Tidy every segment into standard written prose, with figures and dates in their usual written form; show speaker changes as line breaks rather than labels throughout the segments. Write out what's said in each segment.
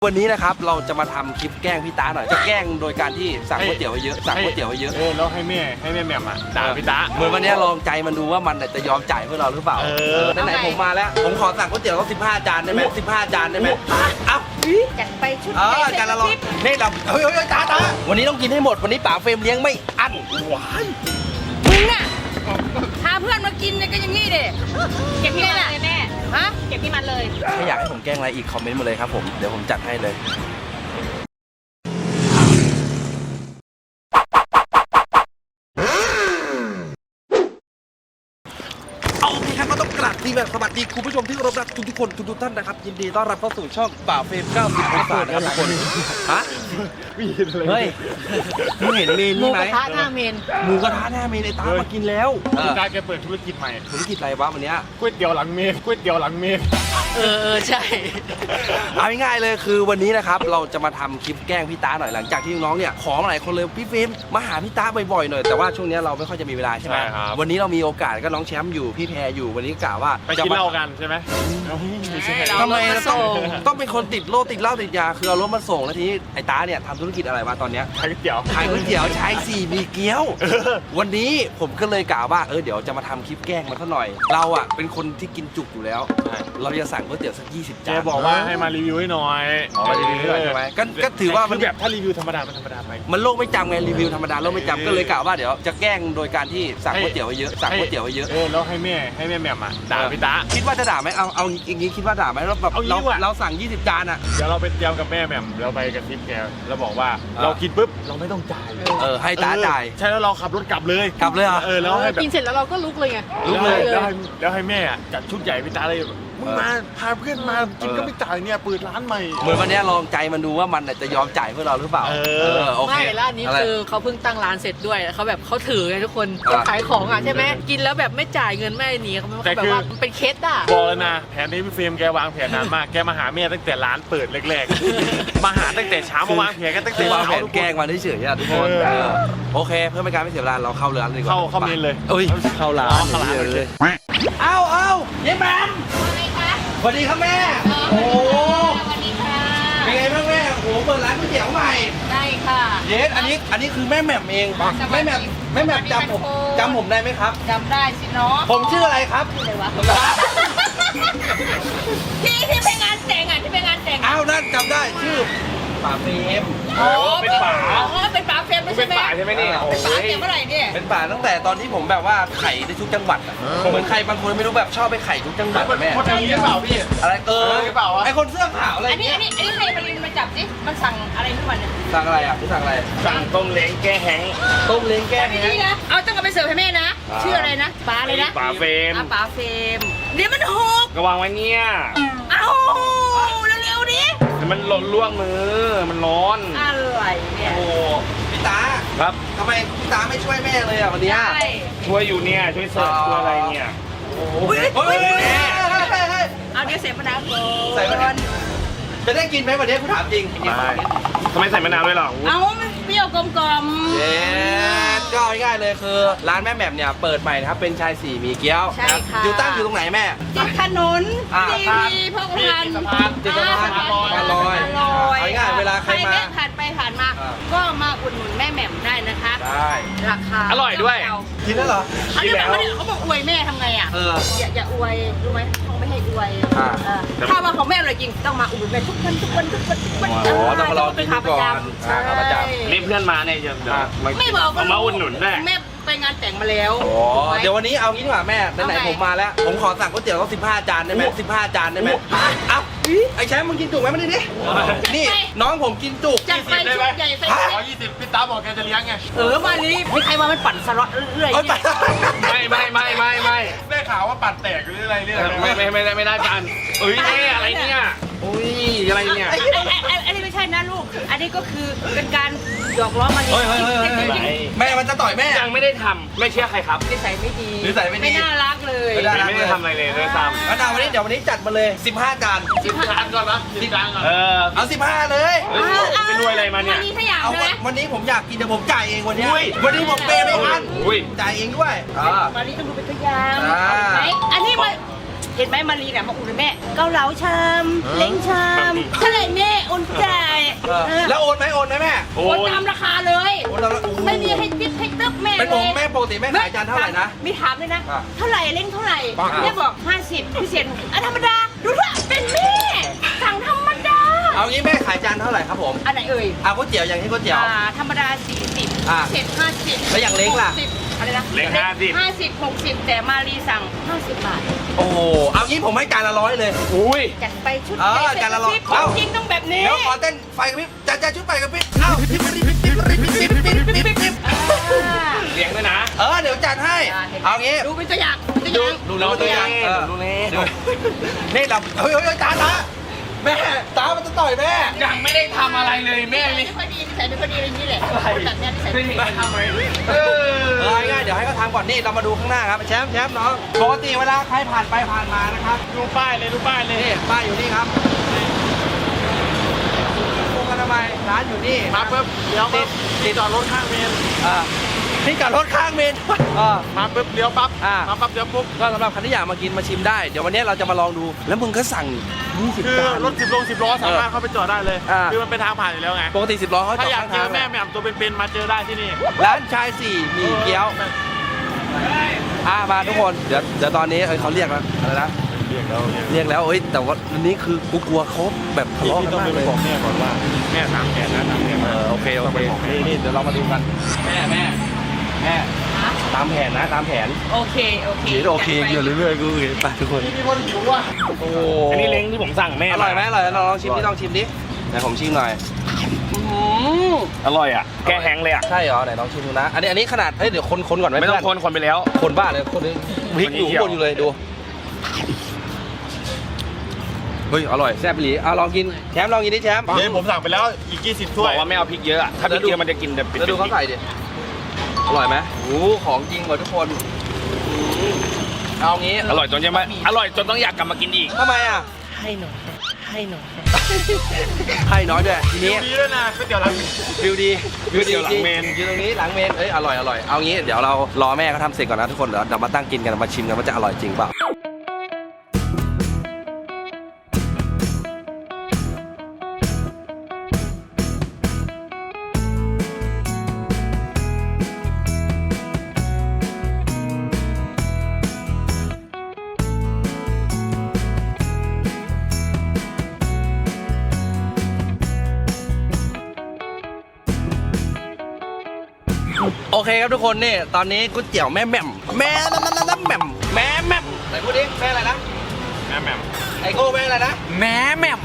วันนี้นะครับเราจะมาทำคลิปแกล้งพี่ตาหน่อยจะแกล้งโดยการที่สั่งก๋วยเตี๋ยวไว้เยอะสั่งก๋วยเตี๋ยวไว้เยอะ
แล้วให้แม่แหม่มอ่ะด่าพี่ตา
เหมือนวันนี้ลองใจมันดูว่ามันจะยอมจ่ายเพื่อเราหรือเปล่าไหนผมมาแล้วผมขอสั่งก๋วยเตี๋ยวต้อง15 จานได้ไหม15 จานได้ไหมเอ้า
จัดไปชุด
จานละร้อยนี่เราเฮ้ยตาวันนี้ต้องกินให้หมดวันนี้ป๋าเฟรมเลี้ยงไม่อั้นว้าย
มึงน่ะพาเพื่อนมากินเนี่ยก็อย่างนี้ดิเก็บที่มันเลยแม่ฮะเก็บที่มันเลย
ถ้าอยากให้ผมแกล้งอะไรอีกคอมเมนต์มาเลยครับผมเดี๋ยวผมจัดให้เลยดีแบบสวัสดีคุณผู้ชมที่เคารพรักทุกคนทุกท่านนะครับยินดีต้อนรับเข้าสู่ช่องป่าเฟรม90 องศานะครับทุกคนฮะเฮ้ยมึงเห็นเมนนี่ไหม
หมูกระทะหน้าเมน
หมูกระทะหน้าเมนไอ้ตามากินแล้ว
พี่ตาแกเปิดธุรกิจใหม่
ธุรกิจอะไรวะวันนี้
ก๋วยเตี๋ยวหลังเมน
ใช่
เอาง่ายๆเลยคือวันนี้นะครับเราจะมาทำคลิปแกล้งพี่ตาหน่อยหลังจากที่น้องเนี่ยขอมาหลายคนเลยพี่เฟรมมาหาพี่ตาบ่อยๆหน่อยแต่ว่าช่วงนี้เราไม่ค่อยจะมีเวลาใช่ไหมวันนี้เรามีโอกาสก็น้องแชมป์อยู่พี่แพรอยู่วันนี้กะว่า
ไปกินเหล้ากันใช่ไหม
ทำไมต้องเป็นคนติดโรคติดเหล้าติดยาคือเอารถมาส่งแล้วทีนี้ไอ้ตาเนี่ยทำธุรกิจอะไรวะตอนเนี้ย
ขายก๋วยเตี๋
ยวชาย4มีเกี๊ยววันนี้ผมก็เลยกะว่าเดี๋ยวจะมาทำคลิปแกล้งมันซะหน่อยเราอ่ะเป็นคนที่กินจุกอยู่แล้วเราจะสั่งก๋วยเตี๋ยวสัก20 จาน
แกบอกว่าให้มารีวิวให้หน่อย
มารีวิวให้หน่อยใช่ไหมก็ถือว่ามัน
แบบถ้ารีวิวธรรมดามันธรรมดาไป
มันโลกไม่จำไงรีวิวธรรมดาโลกไม่จำก็เลยกะว่าเดี๋ยวจะแกล้งโดยการที่สั่งก๋วยเตี๋ยวไว้เยอะสั่งก๋วยเตี๋ยวไว้เยอะ
แล้วให้แม่แหม่มอ่ะด่าพี่ตา
คิดว่าจะด่าไหมเอาอย่างนี้คิดว่าด่าไหมเราแบบเราสั่ง20 จานอ่ะ
เดี๋ยวเราไปเตรียมกับแม่แหม่มเราไปกระซิบแกแล้วบอกว่าเรากินปุ๊บเราไม่ต้องจ่าย
ให้ตาจ่าย
ใช่แล้วเราขับรถกลับเลย
แล้วให้กินเสร็จแล้วเราก็ลุกเลยไง
ลุกเลยแล้วให้แม่จัดชุดใหญ่พี่ตาเลยมึงมาพาเพื่อนมากินก็ไม่จ่ายเนี่ยเปิดร้านใหม่
เหมือนวันนี้ลองใจมันดูว่ามันจะยอมจ่ายเพื่อเราหรือเปล่าโอเค
ไม่ร้านนี้คือเขาเพิ่งตั้งร้านเสร็จด้วยเขาแบบเขาถือไงทุกคนขายของอ่ะใช่ไหมกินแล้วแบบไม่จ่ายเงินไม่หนีเขาแบบว่ามันเป็นเคสอ่ะ
บอกเลยนะแผนนี้พี่เฟรมแกวางแผนนานมากแกมาหาแม่ตั้งแต่ร้านเปิดแรกๆมาหาตั้งแต่เช้ามาวางแผนกันตั้งแต่
วางแผนแกล้งมาเฉยๆทุกคนโอเคเพื่อไม่การไม่เสียเวลาเราเข้าร้านดีกว่า
เข้าเมนเลย
เข้าร้านเลยเอาเย้แมมสวัสดีครับแม่โอ้
สวัสดีค่ะ
เป็นไงบ้างแม่โอ้เปิดร้านก๋วยเตี๋ยวใหม่
ได้ค่ะ
เยสอันนี้คือแม่แหม่มเองแม่แหม่มจำผมได้ไหมครับ
จำได้สิเนาะ
ผมชื่ออะไรครับ
ชื่ออะไรวะที่ไปงานแต่ง
อ้าวนั่นจำได้ชื่อป๋าเฟรม
เป็นป๋า
เป็นป๋าเฟรม
เป็นป๋าใช่ไหมเนี่ย
เป็นป๋าเมื่อไหร่เนี่ย
เป็นป๋าตั้งแต่ตอนที่ผมแบบว่าไข่ในทุกจังหวัดเหมือนใครบางคนไม่รู้แบบชอบไปไข่ทุกจังหวัดแม่
คนนี้เปล่าพี่
อะไรไอคนเสื้อขาวอะไร
อันนี้ให้มารินมาจับสิมันสั่งอะไรทุกวันเนี่ย
สั่งอะไรอ่ะสั่งอะไร
สั่งต้มเล้งแก้แห้ง
ต้มเล้งแก้แห้ง
นะเอาต้องเอาไปเสิร์ฟให้แม่นะชื่ออะไรนะป๋าเลยนะ
ป๋าเฟรม
ป๋าเฟรมเดี๋ยวมันหก
ก็วางไว้เนี่ย
เอาเร็วๆดิ
มันหล่นล่วงมือมันร้อน
อะไรเนี่ย
โอ้พี่ตา
ครับ
ทำไมพี่ตาไม่ช่วยแม่เลยอ่ะวันนี้
ช่วยอยู่เนี่ยช่วยเสิร์ฟช่วยอะไรเนี่ย
โอ้ย
เอาเดี๋ยวเสร็จมะนาว
ใส่มะนาวจะได้กินไหมวันนี้คุณถามจริง
ทำไมใส่มะนาวด้วยหรอ
เอามันเปรี้ยวกลม
ๆเย้ก็ง่ายเลยคือร้านแม่แหม่มเนี่ยเปิดใหม่นะครับเป็นชาย4มีเกี๊ยวอยู่ตั้งอยู่ตรงไหนแม่
ติดถนนทีพกพัน
ติดสะพานลอยง่ายเวลาใครมา
ผ่านไปผ่านมาก็มาอุดหนุนแม่แหม่มได้นะคะ
ได้
ราคา
อร่อยด้วย
กินแล้วเหรอ
กินแล้วเขาบอกอวยแม่ทำไงอ่ะอย่าอวยรู้ไหมเขาไม่ให้อวยถ้ามาของแม่อะไรจริงต้องมาอุดหนุนแม่ทุกวัน
ต้องมารอเป็นขาประจ
ำนี่เพื่อนมาเนี่ยจะ
ไม่บอกก็
มาอุดหนุนได้
แม่ไปงานแต่งมาแล้ว
เดี๋ยววันนี้เอางี้ดีกว่าแม่ไหนผมมาแล้วผมขอสั่งก๋วยเตี๋ยวต้อง15 จานได้ไหม15 จานได้ไหมเอ้าไอ้แชมป์มึงกินจุกไหมมาดินี่น้องผมกินจุก
จัดไปชุดใหญ่ไป
120พี่ตาบอกแกจะเลี้ยงไง
มานี้ไม่ใครมามันปั่นสล็อตเรื่อย
ไม่ได้ข่าวว่าปั่นแตกหรืออะไรเนี่ยไม่ได้ปั่นอะไรเนี่ยอะไรเนี่ย
อันนี้ไม่ใช่นะลูกอันนี้ก็คือเป็นการหยอกล้อมา
แม่มันจะต่อยแม่
ยังไม่ได้ทำไม่เชื่อใครครับ
นิสัยไม่ดี
ไม่
น่ารักเลย
ไม่ได้ทำอะไรเลยด้วยซ้ำ
แล้ววันนี้จัดมาเลย15 จาน
15 จานก่อนนะ10 จานก่อน
เอา15เลย
ไปรวยอะไรมาเนี่ย
วันนี้ผมอยากกินแต่ผมจ่ายเองวันนี้ผมเปย์ไม่ทันจ่ายเองด้วย
วันนี้ต้องดูเป็นตัวอย่างอันนี้มา
ห็นไหมมารีเนี่ยมาอุ่นแม่เกาเหลาชามเล้งชามเท่าไหร่แม่โอนจ่าย
แล้วโอนไหมแม่
โอนตามราคาเลย
โอนแล้ว
ไม่มีให้ติ๊บให้ตึ๊บแม่
เป็น
เล
ผม
ย
แม่ปกติแม่ขายจานเท่าไหร่นะ
มีถามเลยนะ
อ่ะ
เท่าไหร่เล้งเท่าไหร่
อ่ะ
แม่บอก50พิเศษอ่ะธรรมดาดูเถอะเป็นแม่สั่งธรรมดา
เอางี้แม่ขายจานเท่าไหร่ครับผม
อันไหนเอ่ย
เอาก๋วยเตี๋ยวอย่างที่ก๋วยเตี๋ยว
ธรรมดา40
อ่ะ
พิเศษ50
แล้วอย่างเล้งล่ะ
60อะไรนะ
เล้ง50
60แต่มารีสั่ง50 บาท
โอ้โหเอางี้ผมให้จานละ100เลย
อุ้ย
จัดไปชุด
เออจานละร้อย
ข
เอ้า
องจริงต้องแบบนี้
เดี๋ยวขอเต้นไฟกระพริบจานชุดไฟกระพริบเอ้าปิ๊บปิ๊บปิ๊บปิ๊บปิ๊บปิ๊บปิ๊บปิ๊บปิ๊บปิ๊บ
เลี้ยงด้วยนะ
เดี๋ยวจัดให้ เอางี้
ดูเป็นตัวอย่างเป็นตัวอย่าง
ดูแล้วตัวอย่าง
ดูนี่
นี่เราเฮ้ยจานละแม่ตามันจะต่อยแม่
ยังไม่ได้ทำอะไรเลยแม่
ไม่ค่อยดีนิสัยไม่ค่อยดีอะไรอย่างนี้แหละแบบเนี้ยนิสัย
ไม่ได้ทำอะไร
ง่ายๆเดี๋ยวให้เขาทำก่อนนี่เรามาดูข้างหน้าครับแชมป์น้องปกติเวลาใครผ่านไปผ่านมานะครับ
ดูป้ายเลยดูป้ายเลย
นี่ป้ายอยู่นี่ครับโรงอนามัยร้านอยู่นี่
มาปุ๊บเลี้ยวปุ๊บที่จอดรถข้างเมน
ที่จอดรถข้างเมน
มาปุ๊บเลี้ยวปั๊บ
อ่า
มาปั๊บเลี้ยวปุ๊บ
ก็สำหรับใครที่อยากมากินมาชิมได้ เดี๋ยววันนี้เราจะมาลองดู แล้วมึงก็สั่ง 20
คือ
จาน
รถ10 โล 10 ล้อสามารถเข้าไปจอดได้เลย
อ่า
คือมันเป็นทางผ่านอยู่แล้วไง
ปกติ10 ล้อเขาจ
ถ้า
อด
อยาก
ข้าง
เจ
ทา
อง แม่แหม่มตัวเป็นๆมาเจอได้ที่นี่
ร้านชาย4มีเกี๊ยวมาทุกคนเดี๋ยวตอนนี้เขาเรียกแล้วอะไรนะ เรียกแล้วแต่ว่าอันนี้คือกูกลัวเขาแบบทะเลาะกันมากเลย
บอกแม่ก่อนว่าแม่ถามแกนะถามแกมา
โอเคนี่เดี๋ยวเรามาดูกัน แม่ตามแผนนะตามแผน
โอเค
โอเคอยู่เรื่อยๆกูไปทุกคน
มีคนหิวว่ะ
โอ้
อันนี้เล้งที่ผมสั่งแม่
อร่อยไหมอร่อยลองชิมดิลองชิมดิไหนผมชิมหน่อย
อร่อยอ่ะแกแห้งเลยอ่ะ
ใช่เหรอไหนลองชิมดูนะอันนี้ขนาดเดี๋ยวคนก่อนไหม
ไม่ต้องคนไปแล้ว
คนบ้าเลยคนนี้พริกอยู่ข้างบนอยู่เลยดูเฮ้ยอร่อยแซ่บอีหลีลองกินแชมป์ลองกินดิแชมป์
เดี๋ยวผมสั่งไปแล้วอีก20 ถ้วยบอกว่าไม่เอาพริกเยอะอะถ้าพริกเยอะมันจะกินแต่เป็น
แล้วดูเขาใส่ดิอร่อยไหมโอ้ของจริงกว่าทุกคนเอางี้
อร่อยจนยังไม่อร่อยจนต้องอยากกลับมากินอีก
ทำไมอ่ะ
ให้หน่อย
ให้น้อยด้วยทีนี้
ดีด้วยนะก๋วยเตี๋ยวหลัง
วิวดี
ก๋วยเตี๋ยวหลังเมน
อยู่ตรงนี้หลังเมนอร่อยเอางี้เดี๋ยวเรารอแม่เขาทำเสร็จก่อนนะทุกคนเดี๋ยวมาตั้งกินกันมาชิมกันว่าจะอร่อยจริงเปล่าโอเคครับทุกคนนี่ตอนนี้ก๋วยเตี๋ยวแม่แหม่มแม่แหม่มแม่แหม่มไหนพูดดิแม่อะไรนะ
แม่แหม่ม
ไอโก้แม่อะไรนะ
แม่แหม่ม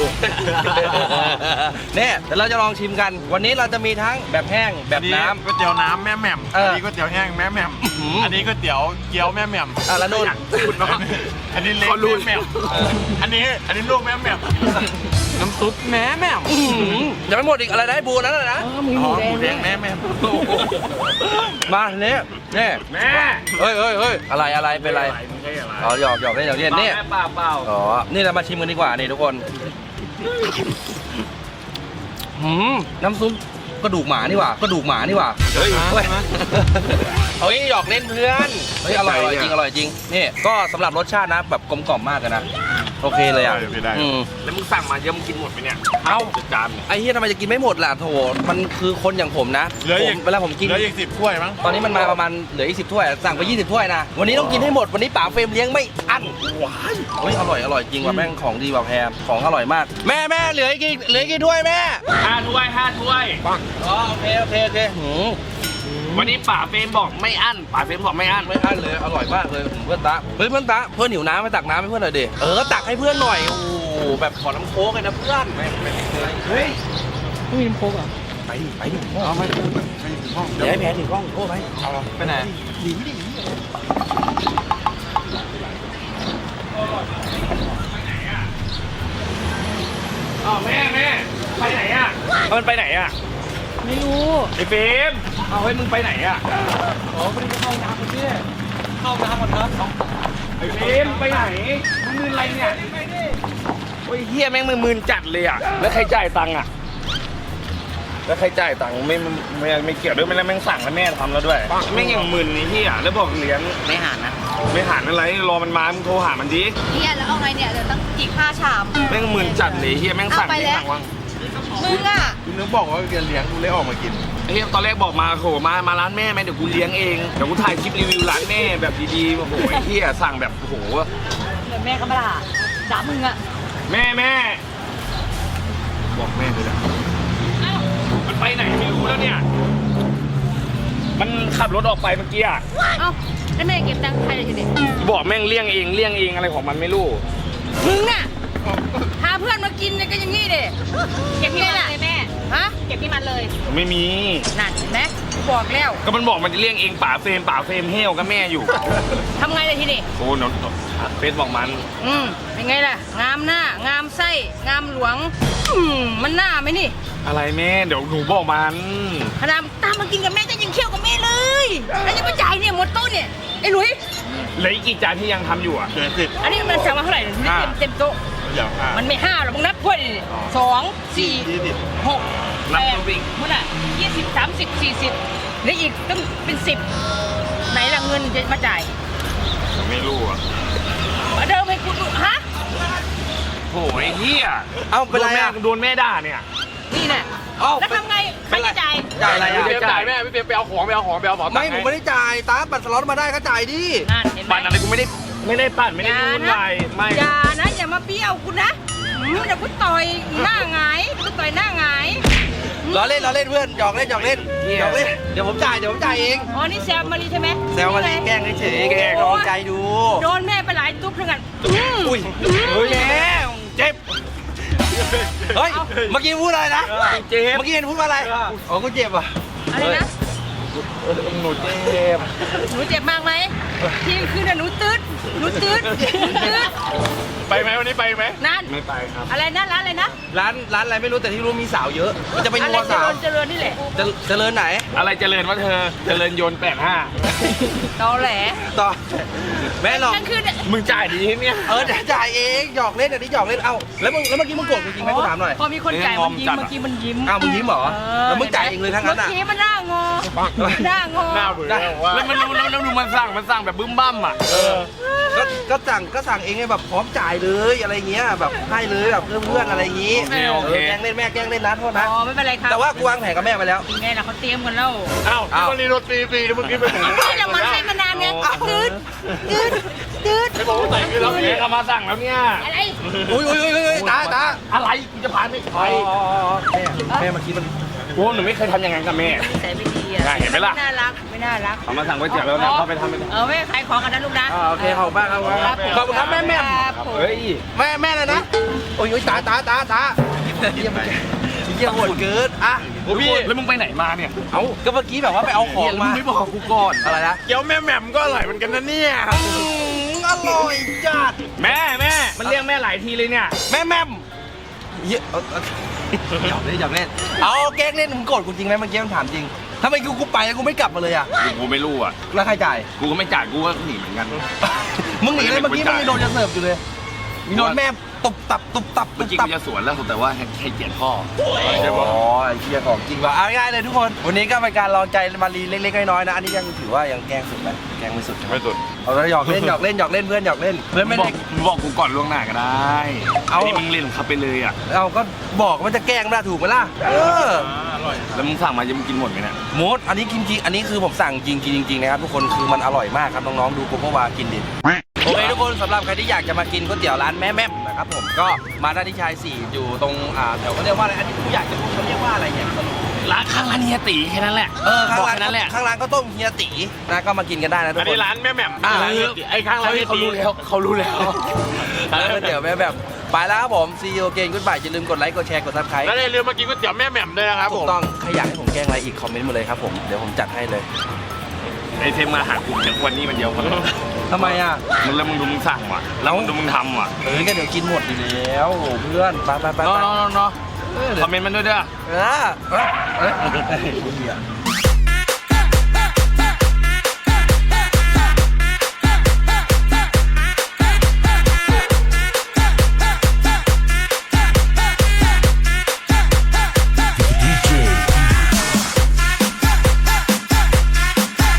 เนี่ยเดี๋ยวเราจะลองชิมกัน วันนี้เราจะมีทั้งแบบแห้งแบบน้ำ
ก๋วยเตี๋ยวน้ำแม่แหม่ม
เอออั
อันนี้ก๋วยเตี๋ยวแห้งแม่แหม่ม
อื้อหืออั
อันนี้ก๋วยเตี๋ยวเกี๊ยวแม่แหม่ม
แล้วนู่น
พูดเนาะอันนี้เล้งแม่แหม่มอันนี้ลูกแม่แหม่มน้ำซุปแม่แหม่ม
ยังไม่หมดอีกอะไรนะไอ้บูนั่นน่ะนะ
มีหมูแดง
หมูแดงแม่แหม่ม
มาเนี่ยนี่
แม่
เฮ้ยอะไรเป็นไร
ไม่ใช่อะไร
อ๋อหยอกเล่นหยอกเล่นนี่
เปล่า
อ๋อนี่เรามาชิมกันดีกว่านี่ทุกคนน้ำซุปกระดูกหมานี่หว่ากระดูกหมานี่หว่า
เฮ้ย
เฮ้ยเฮ้ยหยอกเล่นเพื่อนเฮ้ยอร่อยจริงอร่อยจริงนี่ก็สำหรับรสชาตินะแบบกลมกล่อมมากเลยนะโอเคเลยอ่ะ
ได้
อืม
แล้วมึงสั่งมาเยอะมึงกินหมดไปเนี่ย
เอ้า
จานเนี่ย
ไอ้เฮียทำไมจะกินไม่หมดล่ะโถมันคือคนอย่างผมนะ
เหลืออีก
ผมเวลาผมกิน
เหลืออีก10 ถ้วยมั้ง
ตอนนี้มันมาประมาณเหลืออีก10 ถ้วยสั่งไป20 ถ้วยนะวันนี้ต้องกินให้หมดวันนี้ป๋าเฟรมเลี้ยงไม่อั้นว้ายเฮ้ยอร่อยจริงว่ะแม่งของดีว่ะแพรของอร่อยมากแม่เหลืออีกกี่ถ้วยแม่
5 ถ้วย 5 ถ้วย
อ๋อโอเค
วันนี้ป่าเฟรมบอกไม่อั้นป่าเฟรมบอกไม่อั้น
ไม่อั้นเลยอร่อยมากเลยเพื่อนตาเพื่อนหิวน้ำไปตักน้ำให้เพื่อนหน่อยดิตักให้เพื่อนหน่อยโอ้แบบขอน้ำโค้กเลยนะเพื่อนเฮ้ย
ไม่มีน้ำโค้กเหรอ
ไปดิเอาไปเดี๋ยวให้แพรถือกล้องโอ้ไปไปไหน
อ้าวแม่ไปไหนอ่ะมันไปไหนอ่ะ
ไม่รู้
ไอ้เฟรมเอาเฮ้ยมึงไปไหนอ่ะ
อ๋อพอดีจะเข้าน้ำพี่เข้าน้ำก่อนเถอะ
ไอ้เฟรมไปไหนมึงมืออะไรเนี่ยโอ้ยเฮียแม่งมึนจัดเลยอ่ะแล้วใครจ่ายตังค์อ่ะแล้วใครจ่ายตังค์ไม่เกี่ยวด้วยไม่ได้แม่งสั่งแล้วแม่ทำแล้วด้วยแม่งอย่างมึนนี่ที่แล้วบอกเลี้ยง
ไม่หานนะ
ไม่หาอะไรรอมันมามึงโทรหามันดิ
เนี่ยแล้วเอาไงเนี่ยเดี๋ยวต้องอีก5 ชาม
แม่งมึนจัดเลยเฮียแม่งสั่ง
เอาไป
ที่
แล้ว
สั่งว่าง
มึงอ่ะ
คุณนึกบอกว่าจะเลี้ยงกูเลยออกมากิน
เฮียตอนแรกบอกมาโหมาร้านแม่ไหมเดี๋ยวกูเลี้ยงเองเดี๋ยวกูถ่ายคลิปรีวิวร้านแม่แบบดีๆโอ้โหไอ้เฮียสั่งแบบโอ้โห
เดี๋ยวแม่ก็มาด่ามึงอ่ะ
แม่บอกแม่เลยนะมันไปไหนไม่รู้แล้วเนี่ยมันขับรถออกไปเมื่อกี้อ่ะ
เอ้าแล้วแม่เก็บตังค์ใครเลยทีนี้
บอกแม่งเลี่ยงเองอะไรของมันไม่รู้
มึงอ่ะพาเพื่อนมากินเนี่ยก็อย่างนี้ดิเก็บที่มันเลยแม่ฮะเก็บที่มันเลย
ไม่มี
นั่นเห็นไหมกูบอกแล้ว
ก็มันบอกมันจะเลี่ยงเองป่าเฟรมเฮลกับแม่อยู่
ทำไงเลยทีนี้
โอ้โหเฟซบอกมัน
เป็นไงล่ะงามหน้างามไส้งามหลวงมันหน้าไหมนี่
อะไรแม่เดี๋ยวหนูบอกมัน
ขนาดตามมากินกับแม่จะยังเคี่ยวกับแม่เลยแล้วจะมาจ่ายเนี่ยหมดโต๊ะเนี่ยไอ้หลุย
เหลืออีกกี่จานที่ยังทำอยู่อ่ะ
อันนี้มันสั่งมาเท่าไหร่เนี่ยไม่เต็มโต๊ะ
อย่างห้า
มันไม่5หรอกมึงนับถ้วยดิ2 4 6
นับ
8
ตัววิ่ง
มึงอ่ะ20 30 40แล้วอีกต้องเป็น10ไหนล่ะเงินจะมาจ่าย
ไม่รู้อ่ะ
มาเดิมให้กูดูฮะ
โอ้ยเฮีย
เอ้าเป็นไรอะ
โดนแม่ด่าเนี่ย
นี่แน่
เอ้า
แล้วทำไงใครจะจ่าย
จ่ายอะไร
พี่
อะ
เป๊ปจ่ายแม่พี่เป๊ปไปเอาของ
ไม่ผมไม่ได้จ่ายตาบัตรสล็อตมาได้ก็จ่ายดิ
นั่นเห็นไหม
ปั่นอะไรกูไม่ได้ปั่นไม่ได้ยุ่งวายไม่
อย่านะอย่ามาเปี้ยวกูนะเดี๋ยวกูต่อยหน้าหงายกูต่อยหน้าหงาย
ล้อเล่นเพื่อนหยอกเล่นเดี๋ยวผมจ่ายเอง
อ๋อนี่แซมมารีใช่ไหม
แซวมาเลยแกล้งเฉยๆแกล้งลองใจดู
โดนแม่ไปหลายตุ๊บทั้งนั้น
อุ้ยเฮ้ยแม่เจ็บเฮ้ยเมื่อกี้พูดอะไรนะ
เจ็บ
เมื่อกี้เห็นพูดว่าอะไรอ๋อกูเจ็บอ่ะ
อะไรนะ
หนูเจ็บ
หนูเจ็บมากไหมทีคืนน่ะหนูตืดหนูตืด
ไปไหมวันนี้ไปไหม
นั่น
ไม่ไปครับ
อะไรนะร้านอะไรนะ
ร้านอะไรไม่รู้แต่ที่รู้มีสาวเยอะมันจะไป
อะไร
นัว
เจ
สาว
ริญเจริญนี่แหละ
เจริญไหน
อะไรเจริญวะเธอเจริญโยน85
ตอแหล
ต่อแม่หรอก
นั่นคือ
มึงจ่ายดีเนี่ย
เดี๋ยวจ่ายเองหยอกเล่นอันนี้หยอกเล่นเอ้าแล้วเมื่อกี้มึงโกรธจริงไหมกูถามหน่อย
พอมีคนจ่ายมันยิ้มเมื่อกี้มันยิ้ม
อ้าวมึงยิ้มเหรอแล้วมึงจ่ายเองเลยทั้งนั้นอ่ะ
เมื่อกี้มันหน้างอหน้างอ
หน้าเบื่อแล้วมันดูมันสั่งแบบบึ้มบั้มอ่ะ
ก็สั่งเองไงแบบพร้อมจ่ายเลยอะไรเงี้ยแบบให้เลยแบบเพื่อนอะไรอย่างงี้
โอเค
แกล้งเล่นแม่แกล้งเล่นนะโทษนะ
อ๋อไม่เป็นไรครับ
แต่ว่ากูวางแผนกับแม่ไปแล้ว
ยังไงล่ะเขาเตรียมกันแล้ว
อ้าวพี่วันนี้รถฟรีเมื่อกี้ไปถึง
นี่เรามันใช้มานานไงตืดตืด
ไม่บอกว่าใส่คือเราเนี่ยเขามาสั่งแล้วเนี่ย
อะไร
อุ้ยตา
อะไรกูจะพาไม่ไป
แม่เมื่อกี้มัน
โอ้หนูไม่เคยทำอย่างนั้นกับแม่
ใส่ไม่ดีอ่ะ
เห็นไหมล่ะ
ไม่น่ารักไม่น่ารัก
เขามาสั่งก๋วยเตี๋ยวแล้วนะเขาไปทำไป
ไม่ขายของกันนะลูกนะ
โอเคขอบคุณมากครับขอบคุณครับแม่
เฮ้ย
แม่เลยนะโอ้ยตาเยี่ยมโหดเกินอ่ะ
โอ้พี่แล้วมึงไปไหนมาเนี่ย
เอ้าก็เมื่อกี้แบบว่าไปเอาของมา
ไม่บอกกูก่อน
อะไรนะ
เกี๊ยวแม่แหม่มก็อร่อยเหมือนกันนะเนี่ย
อร่อยจัด
แม่มันเรียกแม่หลายทีเลยเนี่ย
แม่เยอะหยอกเล่นเอาแกล้งเล่นมึงโกรธกูจริงไหมเมื่อกี้มันถามจริงทำไมกูไปแล้วกูไม่กลับมาเลยอ่ะ
กูไม่รู้อ่ะ
แล้วใครจ่าย
กูก็ไม่จ่ายกูก็หนีเหมือนกัน
มึงหนีเลยเมื่อกี้มึงยังโดนจะเสิร์ฟอยู่เลยมีโดนแม่ตุบตับ
เมื่อกี้กูจะสวนแล้วแต่ว่าให้เกียรติพ่อ
อ๋อไอ้เหี้ยของจริงว่ะเอาง่ายเลยทุกคนวันนี้ก็เป็นการลองใจมารีเล็กๆน้อยๆนะอันนี้ยังถือว่ายังแกล้งสุดไหมแกล้งไม่สุดใช่ไหม
ไม่สุด
เอาแล้วหยอกเล่นเพื่อนหยอกเล่นเพื่อนไม่ได้
บอกกูก่อนล่วงหน้าก็ได้
เอา
นี่มึงเล่นขับไปเลยอ่ะ
เอาก็บอกว่าจะแกล้งไม่ได้ถูกไหมล่ะ
อร่อยแล้วมึงสั่งมาจะมึงกินหมดไหมเนี่ย
มดอันนี้กินจริงอันนี้คือผมสั่งจริงนะครับทุกคนคือมันอร่อยมากครับน้องๆดูโกโก้วากินดิโอเคทุกคนสำหรับใครที่อยากจะมากินก๋วยเตี๋ยวร้านแม่นะครับผมก็มาได้ที่ชาย4อยู่ตรงแถวเขาเรียกว่าอะไรอันนี้ผู้อยากจะพูดเขาเรียกว่าอะไรเนี่ยสรุป
ร้านข้างร้านเฮียตีแค่นั้นแหละ
ข้าง
บอก
ร้าน
แค่นั้นแหละ
ข้างร้านก็ต้มเฮียตีนะก็มากินกันได้นะทุก
อัน
คน
นี้ร้านแม่แหม่ม
ไอ้ข้างร้าน
เขารู้แล้วเขารู้แล้ว
ร้านก๋วยเตี๋ยวแม่แบบไปแล้วครับผม See you again goodbye อย่าลืมกดไลค์กดแชร์กด subscribe
แล้วอย่าลืมมากินก๋วยเตี๋ยวแม่แหม่มด้วยนะครับ
ถู
ผ
ก
ม
ต้องใครอยากให้ผมแกล้งอะไรอีกคอมเมนต์มาเลยครับผมเดี๋ยวผมจัดให้เลย
ไอเทมมาหากูจากวันนี้มันเดียวกัน
ทำไมอ่ะ
มึงแล้วมึงดูมึงสั่งว่ะแล้วมึงดูมึงทำว่ะ
ก็เดี๋ยวกินหมดอยู่แล้วโอ้เพื่อนไป
เนาะคอมเมนต์มันด้วยเด้อ
เออ